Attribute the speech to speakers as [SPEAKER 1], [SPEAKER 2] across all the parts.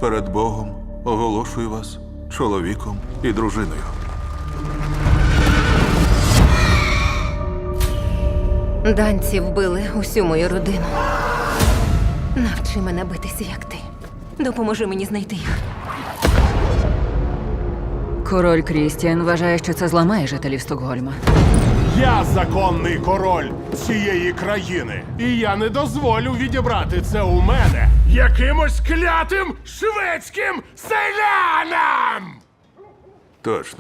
[SPEAKER 1] перед Богом оголошую вас чоловіком і дружиною.
[SPEAKER 2] Данці вбили усю мою родину. Навчи мене битися, як ти. Допоможи мені знайти їх.
[SPEAKER 3] Король Крістіан вважає, що це зламає жителів Стокгольма.
[SPEAKER 4] Я законний король цієї країни. І я не дозволю відібрати це у мене якимось клятим шведським селянам!
[SPEAKER 1] Точно.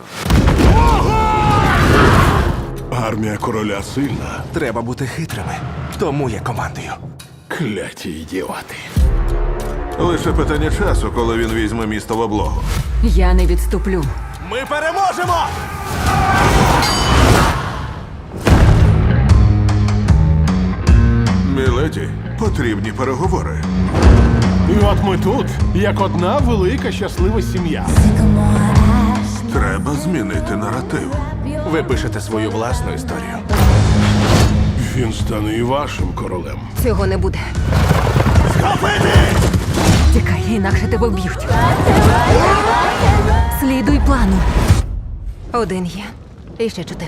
[SPEAKER 4] Армія короля сильна.
[SPEAKER 5] Треба бути хитрими. Тому я командую.
[SPEAKER 4] Кляті ідіоти.
[SPEAKER 1] Лише питання часу, коли він візьме місто в облогу.
[SPEAKER 3] Я не відступлю.
[SPEAKER 5] Ми переможемо!
[SPEAKER 1] Міледі, потрібні переговори.
[SPEAKER 4] І от ми тут, як одна велика щаслива сім'я.
[SPEAKER 1] Треба змінити наратив.
[SPEAKER 5] Ви пишете свою власну історію.
[SPEAKER 4] Він стане і вашим королем.
[SPEAKER 2] Цього не буде.
[SPEAKER 3] Тікай, інакше тебе вб'ють. Слідуй плану.
[SPEAKER 2] Один є. І ще 4.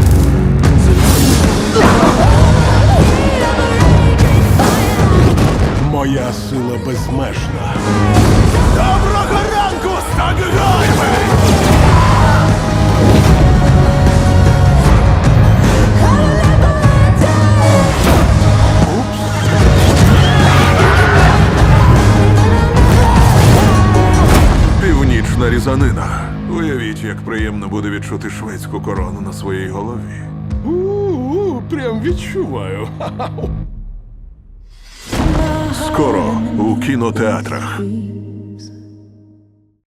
[SPEAKER 4] Моя сила безмежна.
[SPEAKER 5] Доброго ранку, Стокгольме!
[SPEAKER 1] Північна різанина. Уявіть, як приємно буде відчути шведську корону на своїй голові.
[SPEAKER 4] Прям відчуваю.
[SPEAKER 1] Скоро у кінотеатрах.